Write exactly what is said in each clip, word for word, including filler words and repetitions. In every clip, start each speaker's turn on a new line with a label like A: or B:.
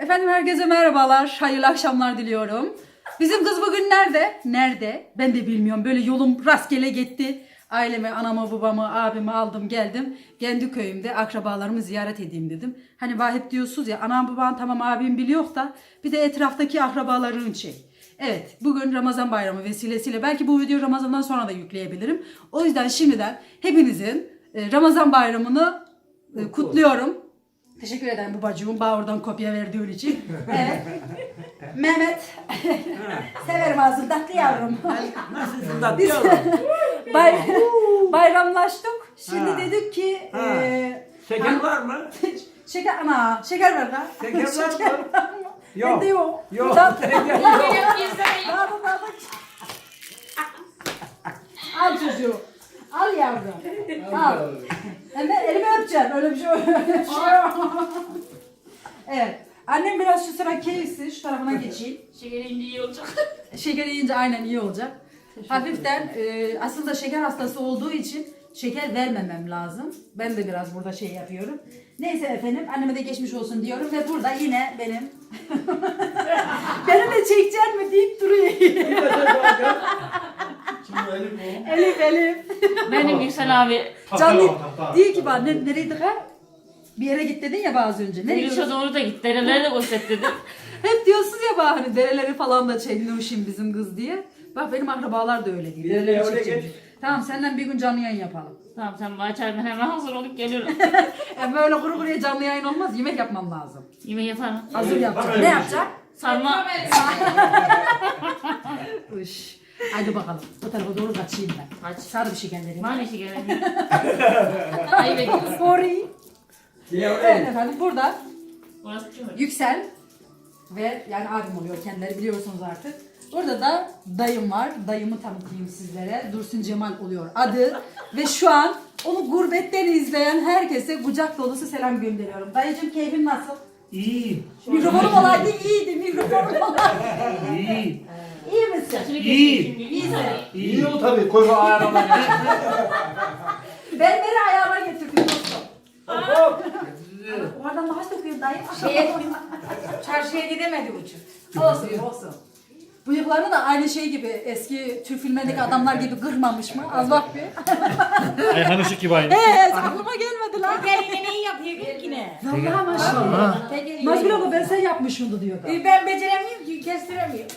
A: Efendim herkese merhabalar, hayırlı akşamlar diliyorum. Bizim kız bugün nerede? Nerede? Ben de bilmiyorum. Böyle yolum rastgele gitti. Ailemi, anamı, babamı, abimi aldım geldim. Kendi köyümde akrabalarımı ziyaret edeyim dedim. Hani vahip diyorsunuz ya, anam babam tamam abim biliyor da bir de etraftaki akrabaların şey. Evet, bugün Ramazan bayramı vesilesiyle belki bu videoyu Ramazan'dan sonra da yükleyebilirim. O yüzden şimdiden hepinizin Ramazan bayramını kutluyorum. Teşekkür ederim babacığım. Bana oradan kopya verdiğin için. Evet. Mehmet. Severim ağzını tatlı yavrum.
B: Nasılsın tatlı yavrum?
A: Bay, bayramlaştık. Şimdi
B: Ha.
A: dedik ki e,
B: Şeker
A: an-
B: var mı?
A: şeker ana şeker ver lan.
B: Şeker var mı?
A: Yok.
B: Yok.
A: Bende yok.
B: Yok.
A: Tat-
B: Şeker yok.
A: Al, al, al. Al çocuğu. Al yavrum. Al. Hemen elimi öpeceğim. Öyle bir şey öyle bir şey yok. Evet. Annem biraz şu sıra keyifsiz. Şu tarafına geçeyim.
C: Şekerin iyi olacak.
A: Şeker yiyince aynen iyi olacak. Hafiften e, aslında şeker hastası olduğu için şeker vermemem lazım. Ben de biraz burada şey yapıyorum. Neyse efendim anneme de geçmiş olsun diyorum ve burada yine benim benimle çekecek mi deyip duruyor. Elif Elif.
C: Benim Yüksel abi
A: Canlı değil ki bana ne, nereydi ha? Bir yere git dedin ya bazı önce. Nereye
C: Yürüyüşe
A: gidiyorsun?
C: doğru da git. Dereleri de göster dedim.
A: Hep diyorsun ya bana hani dereleri falan da çekmişim bizim kız diye. Bak benim akrabalar da öyle değil.
B: Bir yere
A: Dereleri
B: öyle
A: çekeceğim.
B: geç.
A: Tamam senden bir gün canlı yayın yapalım.
C: Tamam sen bana çay, ben hemen hazır olup geliyorum.
A: Yani böyle kuru kuruya canlı yayın olmaz. Yemek yapmam lazım.
C: Yemeği yaparım.
A: Hazır yapacağım.
B: öyle
A: Ne
B: bir şey.
A: yapacak?
C: Sarma.
A: Uş. Haydi bakalım. Bu tarafa doğru kaçayım ben.
C: Kaç.
A: Sarı bir şeker vereyim.
C: Bana işi gelelim. Ayıp ediyorsun.
A: Sorry.
B: Ya,
A: Evet efendim burada
C: Orası çok.
A: Yüksel ve yani abim oluyor kendileri biliyorsunuz artık. Burada da dayım var. Dayımı tanıtayım sizlere. Dursun Cemal oluyor adı. Ve şu an onu gurbetten izleyen herkese kucak dolusu selam gönderiyorum. Dayıcım keyfin nasıl?
B: İyi.
A: Mikrofonum olaydı iyiydi. Mikrofonum olaydı.
B: İyi.
A: İyi misin?
B: İyi.
A: İyisin.
B: İyi o tabii. Koy bu ayarlamayı.
A: Ben beni ayağıma getirdim dostum.
B: Hop.
A: Oradan daha sokuyor dayı.
D: Şeye, çarşıya gidemedi uçuk.
A: Olsun olsun. Bıyıklarını da aynı şey gibi eski Türk filmlerindeki adamlar gibi kırmamış mı? Az bak bir.
E: Ayhan Işık gibi aynı.
A: Eee aklıma gelmedi lan.
D: Geline neyi yapıyor ki yine?
A: Vallahi maşallah. Nazgül abla ben sen yapmışımdı diyor da.
D: E, Ben beceremiyorum ki kestiremiyorum.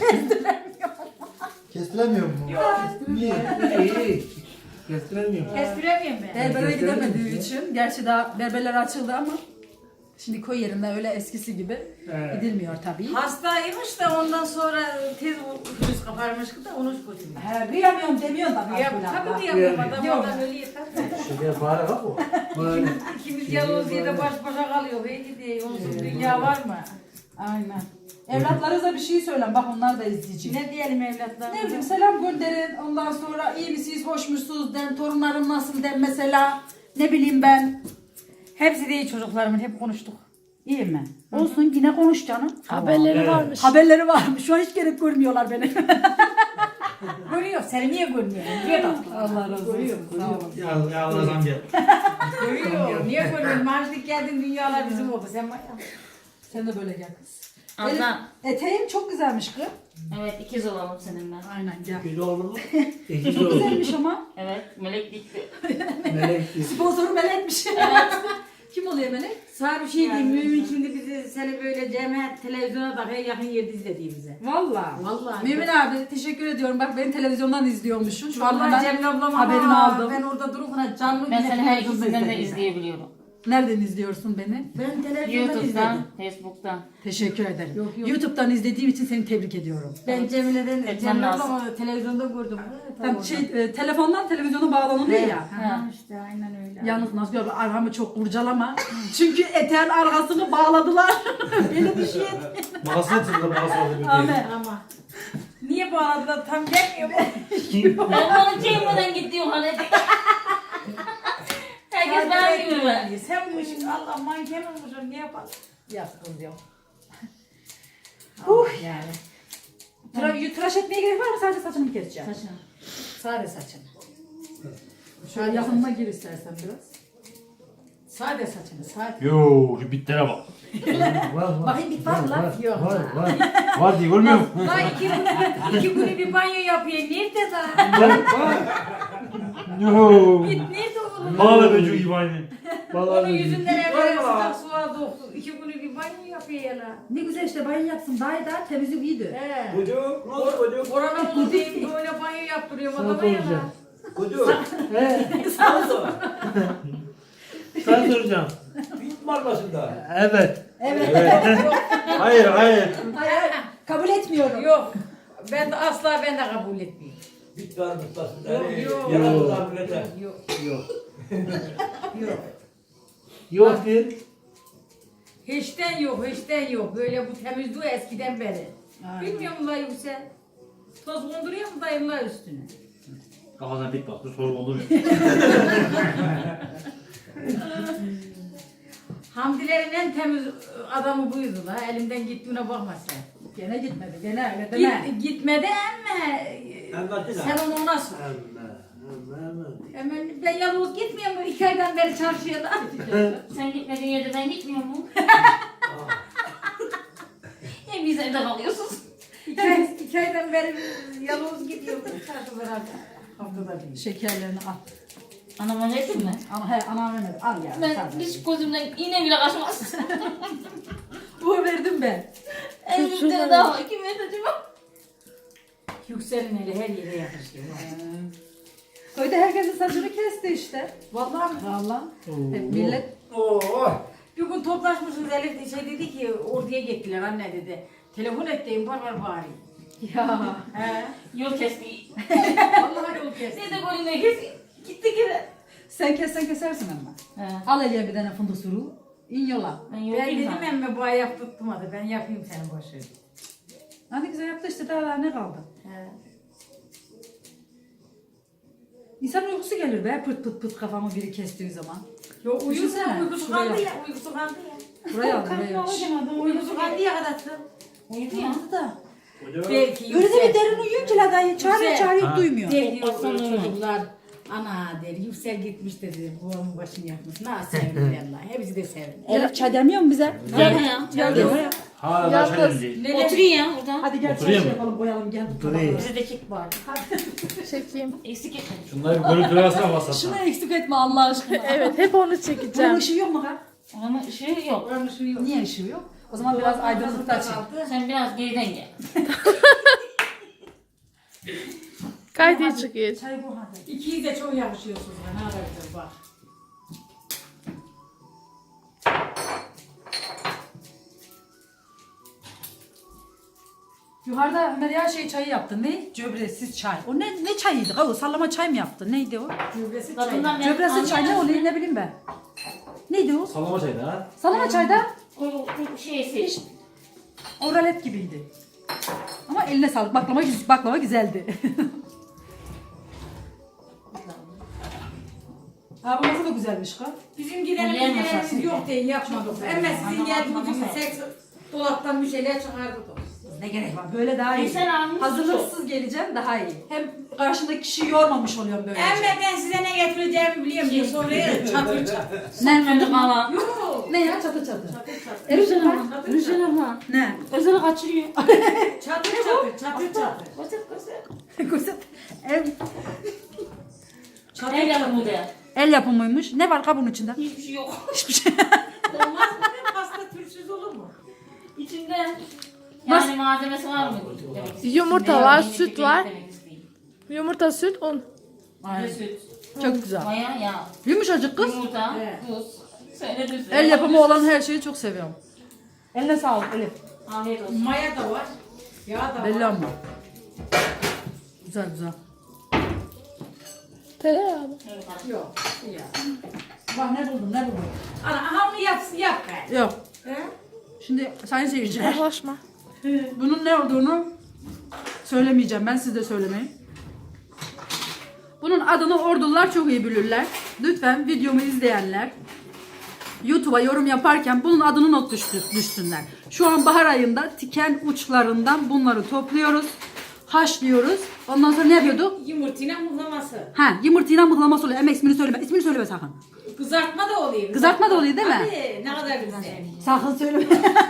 F: Kestiremiyor mu? Niye?
B: İyi. Kestiremiyorum.
D: Kestiremiyorum ben.
A: Berbere gidemediği için. Gerçi daha berberler açıldı ama şimdi koy yerinde öyle eskisi gibi
B: Evet.
A: gidilmiyor tabii.
D: Hastaymış da ondan sonra tez virüs kaparmış da onu götürüyor.
A: He, kıyamıyorum demiyorsun da
D: Ya
A: Nazgül
D: tabii
A: abla.
D: diyemiyorum adam
A: Yok.
D: adam öyle yeter.
F: Şeker bari bak o.
B: Böyle.
D: İkimiz yalnız diye de baş başa kalıyor. Hey diye onsuz dünya var mı?
A: Aynen. Evlatlarınıza bir şey söylen bak onlar da izleyecek.
D: Ne diyelim evlatlar?
A: Ne bileyim selam gönderin. Ondan sonra iyi misiniz, hoş musunuz den, torunlarım nasıl den mesela. Ne bileyim ben.
D: Hepsi de iyi çocuklarımın hep konuştuk.
A: İyi mi? Olsun yine konuş canım.
C: Haberleri varmış.
A: Haberleri varmış. Şu an hiç gerek görmüyorlar beni.
D: Görüyor. Seni niye görmüyor? Niye tatlı?
A: Allah razı olsun. Sağ olun.
B: Ya ya Allah'ım gel.
D: Görüyor. Niye görmüyor? Maaşlık geldin dünyalar bizim oldu. Sen
A: Sen de böyle gel kız.
C: Abla.
A: Elif, eteğin çok güzelmiş kız.
C: Evet ikiz olalım seninle.
A: Aynen gel.
B: Bir oğlu mu? İki
A: Çok
B: oğlu.
A: güzelmiş ama.
C: Evet melek dikti.
B: Melek değil.
A: Sponsoru Melek'miş. Kim oluyor Melek?
D: Sana bir şey diyeyim. Mümin şimdi bizi seni böyle cemaat televizyona takıyor yakın yerde izlediğimize.
A: Valla.
D: Vallahi.
A: Mümin abi teşekkür ediyorum. Bak beni televizyondan izliyormuşsun. Şu an
D: Vallahi
A: ben
D: Cemil ablam
A: haberimi
D: ama
A: aldım.
D: Ben orada durup buna canlı
C: Ben
D: yine
C: seni her
D: televizyonda
C: ikisinden de
D: izledim.
C: izleyebiliyorum.
A: Nereden izliyorsun beni?
D: Ben televizyonda
C: YouTube'dan,
D: izledim.
C: Facebook'tan.
A: Teşekkür ederim.
D: Yok, yok.
A: YouTube'dan izlediğim için seni tebrik ediyorum.
D: Ben Cemile'den,
C: Etmem
D: Cemil
C: lazım.
D: ablamı televizyonda gördüm. Ha, tam
A: Tam
D: orada.
A: şey e, telefondan televizyona bağlanılıyor ya.
D: Ha, işte aynen öyle.
A: Yalnız Nazgül abla arkamı çok kurcalama. Çünkü eteğin arkasını bağladılar. Beni bir şey et.
F: Mağazı atıldı mağazı atıldı.
A: Ahmet.
D: Ama niye bağladılar tam gelmiyor mu?
C: Ben onu çekmeden gidiyorum hani. Herkes bana gibi mi?
D: Sen bu işin Allah manken olmuşsun ne yapalım?
A: Yaptım diyor.
D: Uh yani.
A: Tıra, tıraş etmeye gerek var mı? Sadece saçını mı keseceğim?
C: Saçını.
A: Sadece saçını. Şöyle yakınına gir istersen biraz.
D: Sade saçını sade.
E: Yoo şu bitlere bak.
B: Var var.
A: Bakayım bir var lan.
B: Var
D: Yok.
B: var var.
E: Var diye görmüyor musun?
D: Lan iki günü, iki günü bir banyo yapıyor. Nerede lan?
E: Yoo.
D: Git nerede oğlum?
E: Bağla böceği gibi aynı.
D: Onun yüzünden evvel sıcak suya doktu. İki günü bir banyo yapıyor ya lan.
A: Ne güzel işte banyo yapsın. Daha da temizlik iyiydi.
D: He.
F: Çocuk, ne oldu çocuk?
D: Korona oldu diye böyle banyo yaptırıyorum
B: Sana
D: adama ya lan.
B: soracağım.
F: Çocuk,
B: He,
F: sana sor.
B: sana soracağım.
F: Bit marlasında.
B: Evet.
E: Hayır hayır.
A: Hayır, kabul etmiyorum.
D: Yok. Ben de asla ben de kabul etmiyorum.
F: Bit marlasında.
D: Yok,
F: Yani
D: yok.
F: yaratılan millete.
D: Yok.
B: Yok.
D: Yok.
B: Yok bir.
D: Hiçten yok, hiçten yok. Böyle bu temizliği eskiden beri. Bilmiyor musun dayı sen? Toz konduruyor mu dayımlar üstüne?
E: Kafasına bit bak. Dur soru olur mu?
D: Hamdilerin en temiz adamı buydu la. Elimden gittiğine bakma sen.
A: Gene gitmedi. Gene öyle deme.
D: Git, gitmedi ama
F: Anlatsana.
D: sen onu ona sor.
B: Allah. Allah Allah.
D: Hemen ben yalnız gitmiyorum. İki aydan beri çarşıya da.
C: Sen gitmediğin yerde ben gitmiyor mu? Hep biz evde kalıyorsunuz.
D: İki, ay, iki aydan beri yalnız gidiyorum. Çarşılara haftada bir.
A: Şekerlerini al.
C: Anama ne ettin mi?
A: Ana, he, anam vermedi. Al ya.
C: Ben
A: sen ver.
C: hiç gözümden iğne bile kaçmaz.
A: Bu verdim ben.
C: Elimde daha var. Kim verdi acaba?
D: Yükselin eli her yere yakışıyor.
A: Köyde herkesin saçını kesti işte.
D: Vallahi mi?
A: Vallahi.
B: Oo.
A: Hep millet
F: Oo.
D: Bir gün toplaşmışız Elif şey dedi ki orduya gittiler anne dedi. Telefon ettiğim var var bari.
A: ya.
D: He.
C: Yol kesti.
D: Vallahi yol kes.
C: Sen de golüne kes. Gitti kere.
A: Sen kessen kesersin ama.
C: He.
A: Al eliye bir tane fındık suru. İn yola.
C: Ben
D: Ben
C: yok
D: dedim
C: sana.
D: emme bu ayak tutmadı. Ben yapayım senin boşu.
A: Hadi güzel yaptı işte daha ne kaldı?
D: He.
A: İnsan uykusu gelir be pıt pıt pıt kafamı biri kestiği zaman.
D: Yo uyusu
A: Düşünsene,
D: uykusu
A: şuraya.
D: kaldı ya. Uykusu kaldı ya.
A: Buraya al buraya.
D: Uykusu kaldı ya kadar.
C: Uyudu ya.
A: Yandı da.
D: Belki
A: Öyle de bir
D: yüksel.
A: derin uyuyun ki la dayı. Çağırıyor
D: Güzel.
A: çağırıyor duymuyor.
D: Der diyor
C: Baksana
D: böyle
C: öyle.
D: çocuklar. Ana der yüksel gitmiş dedi. Babamın başını yakmış. Nasıl sevindiler la. Hepsi de sevindi.
A: Elif çay demiyor mu bize?
C: Gel ya.
A: Gel gel.
E: Hala da şey değil.
D: Neler?
C: Oturuyor ya burada.
A: Hadi gel çay
E: Oturayım
A: şey
E: mı?
A: yapalım boyalım gel.
B: Oturayım.
C: Bizi de çek bari.
G: Çekeyim.
C: Eksik etme.
E: Şunları bir görüntüler alsana
A: Şunu
E: WhatsApp'tan.
A: eksik etme Allah aşkına.
G: Evet hep onu
A: Bunun
G: çekeceğim.
A: ışığı yok mu ha?
C: Onun ışığı yok.
D: Oranın ışığı yok.
A: Niye ışığı yok? O zaman biraz aydınlıkta açayım.
C: Sen biraz geriden gel.
G: Gayet iyi çıkıyor.
A: Çay bu hadi.
D: İkiyi de çok yakışıyorsunuz. Ne kadar güzel bak.
A: Yukarıda Ömer ya şey çayı yaptı. Ne? Cöbresiz çay. O ne ne çayıydı? O sallama çay mı yaptı? Neydi o?
D: Cübresi çay.
C: Kadından ben
A: Cöbresiz çay ne oluyor ne bileyim ben. Neydi o?
E: Sallama çaydı ha.
A: Sallama çayda
C: O, o şey seç.
A: oralet gibiydi. Ama eline sağlık. Baklava, güz- baklava güzeldi. Abi nasıl da güzelmiş kız.
D: Bizim gidelim
C: Onlar
D: gidelerimiz
C: masası.
D: yok diye yapmadık. Ama sizin geldiğiniz gibi seks dolaptan bir şeyler çıkardık.
A: Ne gerek var? Böyle daha iyi.
C: E sen almışsın
A: Hazırlıksız geleceğim daha iyi. Hem karşındaki kişiyi yormamış oluyorum böyle.
D: Ama ben size ne getireceğimi biliyorum diye soruyor. Çatır çatır.
A: Ne?
C: Fındık mala.
D: Yok.
A: Ne ya çatı çatı.
C: Rüzgar abla. Rüzgar abla.
A: Ne?
C: Özel kaçırıyor.
D: Çatır çatır çatır çatır.
C: Koset koset.
A: Kuzet. El,
D: Çatır
C: El
D: çatır.
C: yapımı de.
A: el yapımıymış. Ne var kabuğun içinde?
C: Hiçbir şey yok.
A: Hiçbir şey.
D: Olmaz mı? Pasta türsüz olur mu?
C: İçinde yani malzemesi var mı? Demek istiyorum.
G: Yumurta
C: Ne
G: var,
C: yediğini
G: süt
C: bildiğini
G: var.
C: demek istiyorum.
G: Yumurta, süt, un.
C: Bir
A: Aynen.
C: de süt.
A: Çok güzel.
C: Maya, yağ.
A: Yumuşacık kız.
C: Yumurta,
D: Evet.
C: tuz. Söyledim size.
A: El yapımı olan her şeyi çok seviyorum. Eline sağlık Elif.
C: Afiyet olsun.
D: Maya da var. Yağ da
A: Belli
D: var.
A: ama. Güzel güzel.
G: Tereyağı mı?
C: Evet, abi.
D: Yok. Ya.
A: Bak ne buldum ne buldum.
D: Ana aha onu yapsın yap gayet.
A: Yok.
D: He?
A: Şimdi sayın seyirciler.
G: Yaklaşma.
A: Bunun ne olduğunu söylemeyeceğim. Ben siz de söylemeyin. Bunun adını ordular çok iyi bilirler. Lütfen videomu izleyenler YouTube'a yorum yaparken bunun adını not düştü- düşsünler. Şu an bahar ayında tiken uçlarından bunları topluyoruz. haşlıyoruz. Ondan sonra ne yapıyorduk?
D: Yumurtayla muhlaması.
A: Ha, yumurtayla mıhlaması oluyor. Ama ismini söyleme. İsmini söyleme sakın.
D: Kızartma da oluyor.
A: Kızartma da oluyor değil mi?
D: Hadi ne kadar güzel.
A: Sakın söyleme.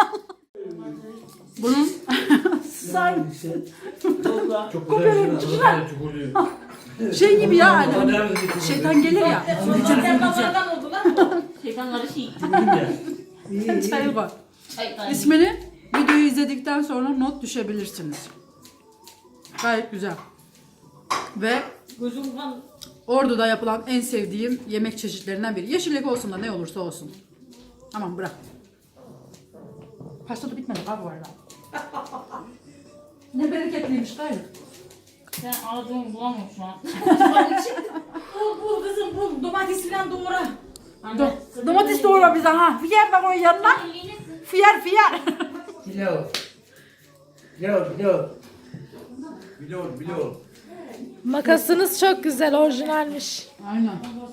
A: Bunun say
E: Çok güzel. Çok oluyor.
A: şey gibi ya hani şeytan gelir ya.
D: Zaten babadan oldu lan bu.
C: Şeytanları şey.
A: Çay var.
C: Şeytan.
A: İsmini videoyu izledikten sonra not düşebilirsiniz. Gayet güzel. Ve
C: Gözüm kan.
A: Ordu'da yapılan en sevdiğim yemek çeşitlerinden biri. Yeşillik olsun da ne olursa olsun. Tamam bırak. Pasta da bitmedi abi bu arada. Ne bereketliymiş gayrı.
C: Ben aradığımı bulamam şu an.
D: Bul bul kızım bul. Domates falan doğra.
C: Anne,
A: Do
C: sırrı
A: domates
C: ne?
A: doğra bize ha. Fiyar da koy yanına. Fiyar fiyar.
B: Biliyor. Biliyor, biliyor. Biliyor, biliyor.
G: Makasınız çok güzel, orijinalmiş.
A: Aynen.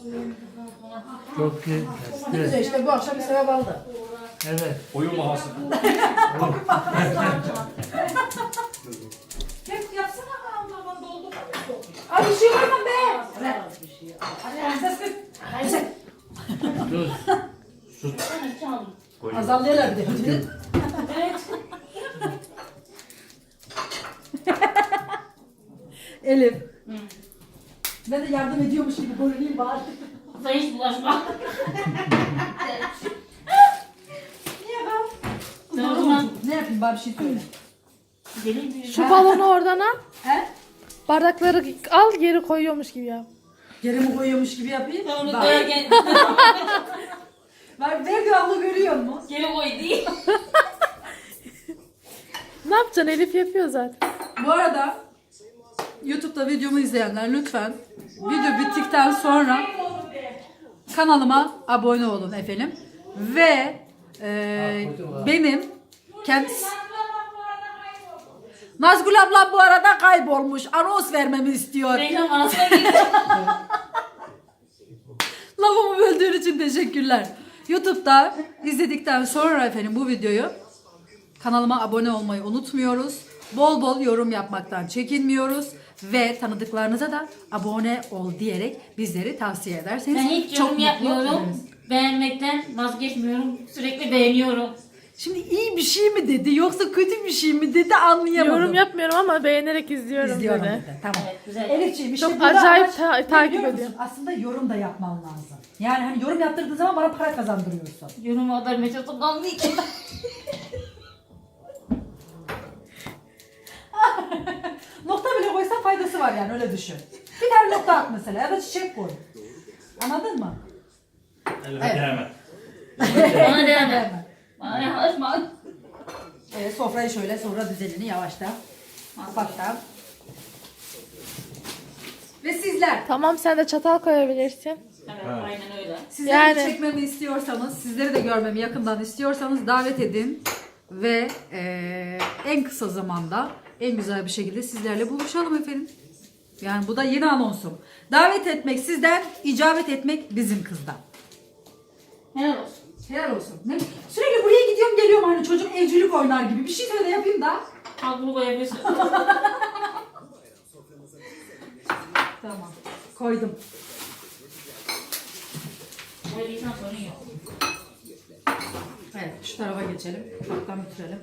B: Çok
A: Ne
B: güzel.
A: güzel işte bu akşam bir sevap aldı.
B: Evet.
E: Oyun mahası.
D: Hep yapsana Allah'ım doldu.
A: Ay bir şey var mı be?
D: Hadi ses kız.
B: Dur.
C: Ben çaldım.
A: Azallıyorlar bir de.
C: Evet.
A: Elif. Ben de yardım ediyormuş gibi görüneyim bari.
C: Sen hiç bulaşma.
A: Niye ben?
C: Ben o zaman
A: Ne yapayım bari bir şey söyle.
C: gelin bir
G: Şu balonu oradan al.
A: He?
G: Bardakları al, geri koyuyormuş gibi yap.
A: Geri mi koyuyormuş gibi yapayım?
C: Ben onu
A: Bak.
C: koyarken
A: Bak Verdi abla görüyor musun?
C: geri koy değil.
G: Ne yapacaksın? Elif yapıyor zaten.
A: Bu arada YouTube'da videomu izleyenler lütfen video bittikten sonra kanalıma abone olun efendim. Ve e, benim kendisi Nazgül abla bu arada kaybolmuş. Anons vermemi istiyor.
C: Reklam arasına girdim.
A: Lafımı böldüğün için teşekkürler. YouTube'da izledikten sonra efendim bu videoyu kanalıma abone olmayı unutmuyoruz. Bol bol yorum yapmaktan çekinmiyoruz. Ve tanıdıklarınıza da abone ol diyerek bizleri tavsiye ederseniz
C: Ben hiç
A: çok
C: yorum
A: mutlu
C: yapmıyorum.
A: oluruz.
C: Beğenmekten vazgeçmiyorum. Sürekli beğeniyorum.
A: Şimdi iyi bir şey mi dedi yoksa kötü bir şey mi dedi anlayamadım.
G: Yorum yapmıyorum ama beğenerek izliyorum,
A: İzliyorum
G: dedi.
A: dedi. Tamam.
C: Evet, güzel.
A: Elifciğim işte
G: Çok
A: burada
G: acayip
A: amaç
G: ta-
A: ne
G: takip
A: biliyor musun?
G: ediyorum.
A: Aslında yorum da yapman lazım. Yani hani yorum yaptırdığın zaman bana para kazandırıyorsun.
C: Yoruma kadar metot kalmayacak.
A: Nokta bile koysan faydası var yani öyle düşün. Bir tane nokta at mesela ya da çiçek koy. Anladın mı?
E: Evet.
A: Evet.
E: Hemen.
C: Bana deneme. Bana yaklaşma.
A: Evet, sofrayı şöyle sonra düzenini yavaştan, ufaktan. Ve sizler,
G: Tamam, sen de çatal koyabilirsin.
C: Evet, aynen öyle.
A: sizleri
G: Yani-
A: de çekmemi istiyorsanız, sizleri de görmemi yakından istiyorsanız davet edin. Ve eee, en kısa zamanda, en güzel bir şekilde sizlerle buluşalım efendim. Yani bu da yeni anonsum. Davet etmek sizden, icabet etmek bizim kızdan.
C: Helal olsun.
A: Helal olsun. Ne? Sürekli buraya gidiyorum geliyorum hani çocuk evcilik oynar gibi. Bir şey söyle yapayım da.
C: Al bunu koyabilirsin.
A: Tamam. Koydum.
C: Koyduysan sorun yok.
A: Evet şu tarafa geçelim. Ufaktan bitirelim.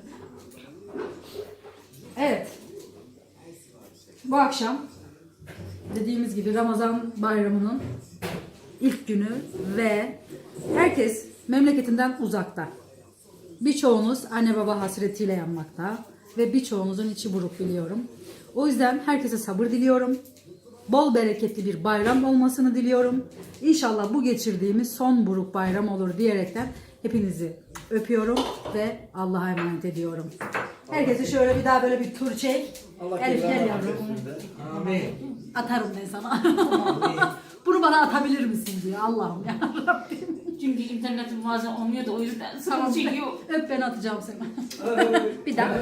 A: Evet. Bu akşam dediğimiz gibi Ramazan bayramının ilk günü ve herkes memleketinden uzakta. Birçoğunuz anne baba hasretiyle yanmakta ve birçoğunuzun içi buruk biliyorum. O yüzden herkese sabır diliyorum. Bol bereketli bir bayram olmasını diliyorum. İnşallah bu geçirdiğimiz son buruk bayram olur diyerekten hepinizi öpüyorum ve Allah'a emanet ediyorum. Herkese şöyle bir daha böyle bir tur çek. Elif gel yavrum.
B: Amin.
A: Atarım ben sana. Bunu bana atabilir misin diyor Allah'ım ya Rabbim.
C: Çünkü internetim bazen olmuyor da o yüzden
A: Tamam,
C: sıkıntı çekiyor.
A: öp ben atacağım seni. Bir daha.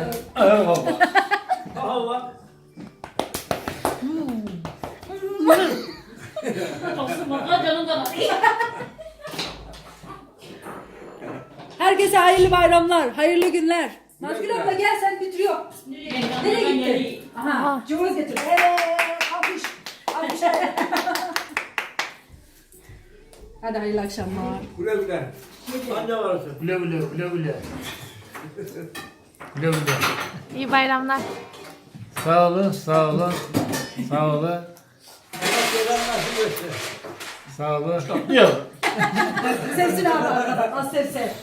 F: Allah.
C: Olsun bak canım da
A: Herkese hayırlı bayramlar, hayırlı günler. Nazgül abla gel sen bitiriyor. Nereye gitti? Aha.
G: Aha.
A: Cumhuriyet getir. Eee alkış. Alkış. Hadi hayırlı akşamlar.
F: Güle güle. Anne varsın.
B: Güle güle güle güle. Güle güle.
G: İyi bayramlar.
B: Sağ olun, sağ olun. Sağ olun.
F: Allah cezanı nasip etsin.
B: Sağ olun.
E: Yok.
A: Sevsin abi arkadan. Az sev sev.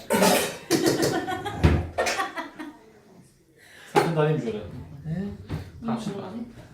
E: Sakın da alayım şöyle.
C: Nasıl alayım?